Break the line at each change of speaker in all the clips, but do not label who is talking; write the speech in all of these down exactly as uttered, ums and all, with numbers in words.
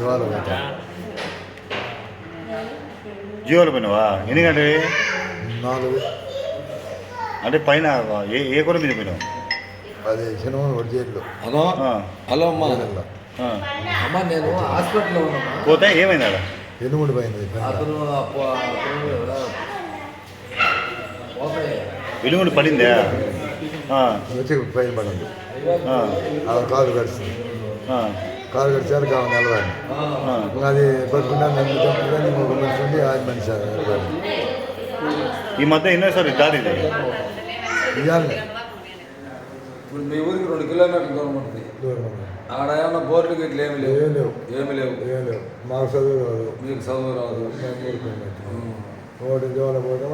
జియోలో పోయినావా? ఎన్ని గంటలు?
నాలుగు.
అంటే పైన ఏ ఏ కూడా మీద పోయినావు?
అది సినిమా జైల్లో.
హలో హలో అమ్మా అమ్మా నేను హాస్పిటల్లో ఉన్నా.
పోతే ఏమైంది అక్కడ?
ఎనుముడి పోయింది.
అతను
వెలుగుండి పడిందా?
వచ్చి పైన పడింది. కాలు కడిచింది. కాలు కడిచారు కావాలి నిలబడి. అది పట్టుకున్నా నన్ను చంపుకొని ఒక మనిషి ఉండి ఆది మనిషి
ఈ మధ్య ఎన్నోసారి దారి
ఇవ్వాలి.
ఇప్పుడు మీ ఊరికి రెండు కిలోమీటర్ల దూరం ఉంటుంది. ఆడ ఏమన్నా బోర్డు గిట్లు ఏమి లేవు.
ఏం లేవు.
ఏమి లేవు.
ఏం లేవు. మాకు చదువు రాదు.
మీకు చదువు రాదు.
ఒకటి జోల పోవడం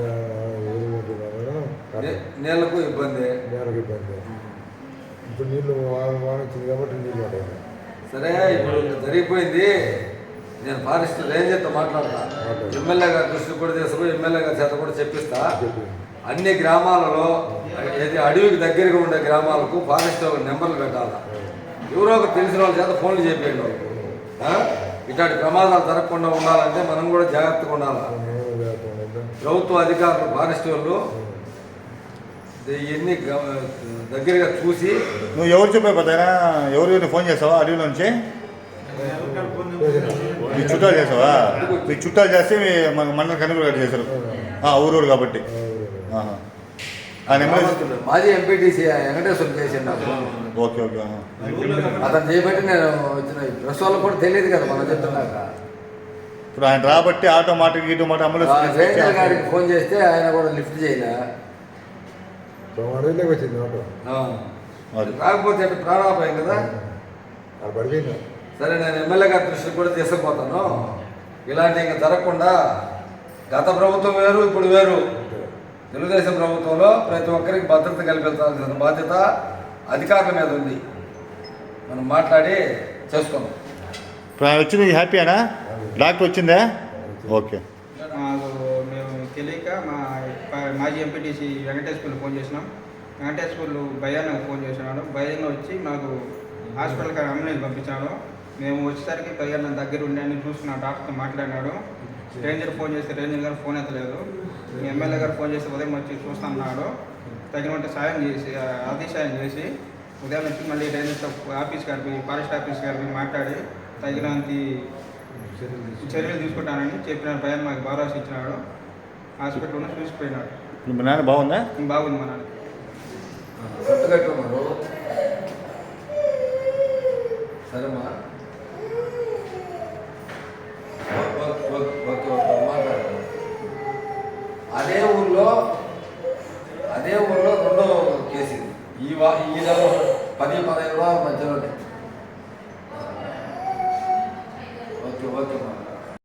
నీళ్ళకు ఇబ్బంది.
నీళ్ళకి ఇబ్బంది. ఇప్పుడు నీళ్ళు వాన వాన వచ్చింది కాబట్టి నీళ్ళు పడాయి.
సరే ఇప్పుడు జరిగిపోయింది. నేను ఫారెస్ట్ రేంజర్తో మాట్లాడతా. ఎమ్మెల్యే గారు దృష్టి కూడా తీసుకుని ఎమ్మెల్యే గారి చేత కూడా చెప్పిస్తా. అన్ని గ్రామాలలో ఏది అడవికి దగ్గరగా ఉండే గ్రామాలకు ఫారెస్ట్ నెంబర్లు పెట్టాలా. ఎవరో ఒక తెలిసిన వాళ్ళ చేత ఫోన్లు చెప్పేయండి. ఇట్లాంటి ప్రమాదాలు జరగకుండా ఉండాలంటే మనం కూడా జాగ్రత్తగా ఉండాలి. ప్రభుత్వ అధికారులు ఫారెస్ట్ వాళ్ళు ఇవన్నీ దగ్గరగా చూసి.
నువ్వు ఎవరు చెప్పే పోతారా? ఎవరు ఫోన్ చేస్తావా అడవిలో నుంచి? మీ చుట్టాలు చేసావా? మీ చుట్టాలు చేస్తే మండల కనుగోలు చేశారు ఊరూరు కాబట్టి.
మాజీ ఎంపీటీసీ వెంకటేశ్వరం చేసిండు.
Okay okay.
అతను చేయబట్టి నేను వచ్చిన. ప్రెస్ వాళ్ళకి కూడా తెలియదు కదా మనం చెప్తున్నాక.
ఇప్పుడు ఆయన రాబట్టి ఆటో మాట గీటో మాట అమలు
రేంజర్ గారికి ఫోన్ చేస్తే ఆయన కూడా లిఫ్ట్ చేయలే.
వచ్చింది ఆటో
రాకపోతే ప్రాణాపాయం కదా.
పడిపోయింది.
సరే నేను ఎమ్మెల్యే గారి దృష్టికి కూడా తీసుకుపోతాను. ఇలాంటి ఇంకా జరగకుండా. గత ప్రభుత్వం వేరు, ఇప్పుడు వేరు. తెలుగుదేశం ప్రభుత్వంలో ప్రతి ఒక్కరికి భద్రత కల్పించాల్సిన బాధ్యత అధికారుల మీద ఉంది. మనం మాట్లాడి చేసుకుందాం.
ఇప్పుడు ఆయన వచ్చింది హ్యాపీనా? డాక్టర్ వచ్చిందా? ఓకే.
మాకు మేము తెలియక మా మాజీ ఎంపీటీసీ వెంకటేశ్వర్లు ఫోన్ చేసినాం. వెంకటేశ్వర్లు భయానికి ఫోన్ చేసినాడు. భయంగా వచ్చి మాకు హాస్పిటల్కి అంబులెన్స్ పంపించాడు. మేము వచ్చేసరికి భయాన్ని దగ్గర ఉండి అని చూసుకున్న డాక్టర్తో మాట్లాడినాడు. రేంజర్ ఫోన్ చేస్తే రేంజర్ గారు ఫోన్ ఎత్తలేదు. ఎమ్మెల్యే గారు ఫోన్ చేసి ఉదయం వచ్చి చూస్తామన్నాడు. తగినంత సాయం చేసి అతిసాయం చేసి ఉదయం వచ్చి మళ్ళీ రేంజర్ ఆఫీస్ గారికి ఫారెస్ట్ ఆఫీస్ గారికి మాట్లాడి తగినంత చర్యలు తీసుకుంటానని చెప్పిన భయం మాకు భరోసా ఇచ్చినాడు. హాస్పిటల్లో చూసిపోయినాడు.
మీ నాన్న బాగుందా?
బాగుంది మా నాన్న.
సరేమ్మా. అదే ఊళ్ళో అదే ఊళ్ళో రెండో కేసు ఈ వా ఈ నెల పది పదహైదు రోజుల మధ్యలోనే